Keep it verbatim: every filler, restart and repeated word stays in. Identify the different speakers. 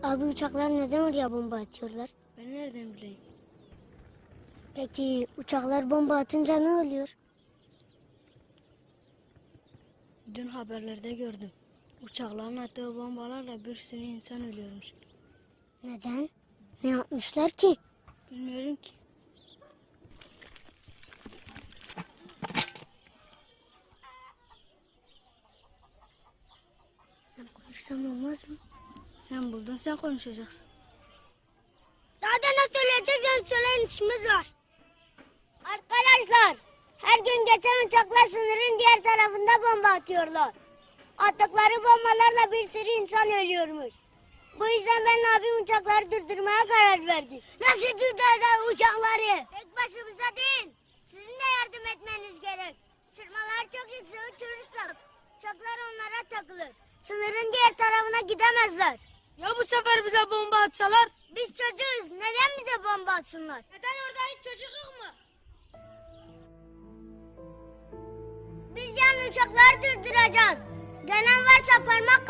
Speaker 1: Abi uçaklar neden oraya bomba atıyorlar?
Speaker 2: Ben nereden bileyim?
Speaker 1: Peki uçaklar bomba atınca ne oluyor?
Speaker 2: Dün haberlerde gördüm. Uçakların attığı bombalarla bir sürü insan ölüyormuş.
Speaker 1: Neden? Ne yapmışlar ki?
Speaker 2: Bilmiyorum ki.
Speaker 1: Sen konuşsan olmaz mı?
Speaker 2: Sen buldun, sen konuşacaksın.
Speaker 1: Daha da ne söyleyeceksen söyleyin, işimiz var. Arkadaşlar, her gün geçen uçaklar sınırın diğer tarafında bomba atıyorlar. Attıkları bombalarla bir sürü insan ölüyormuş. Bu yüzden ben abim uçakları durdurmaya karar verdi. Nasıl durduracağız uçakları? Tek başımıza değil, sizin de yardım etmeniz gerek. Uçurmalar çok yüksek uçurursak uçaklar onlara takılır. Sınırın diğer tarafına gidemezler.
Speaker 2: Ya bu sefer bize bomba atsalar?
Speaker 1: Biz çocuğuz, neden bize bomba atsınlar?
Speaker 2: Neden orada hiç çocuk yok mu?
Speaker 1: Biz yani uçakları durduracağız. Gelen varsa parmak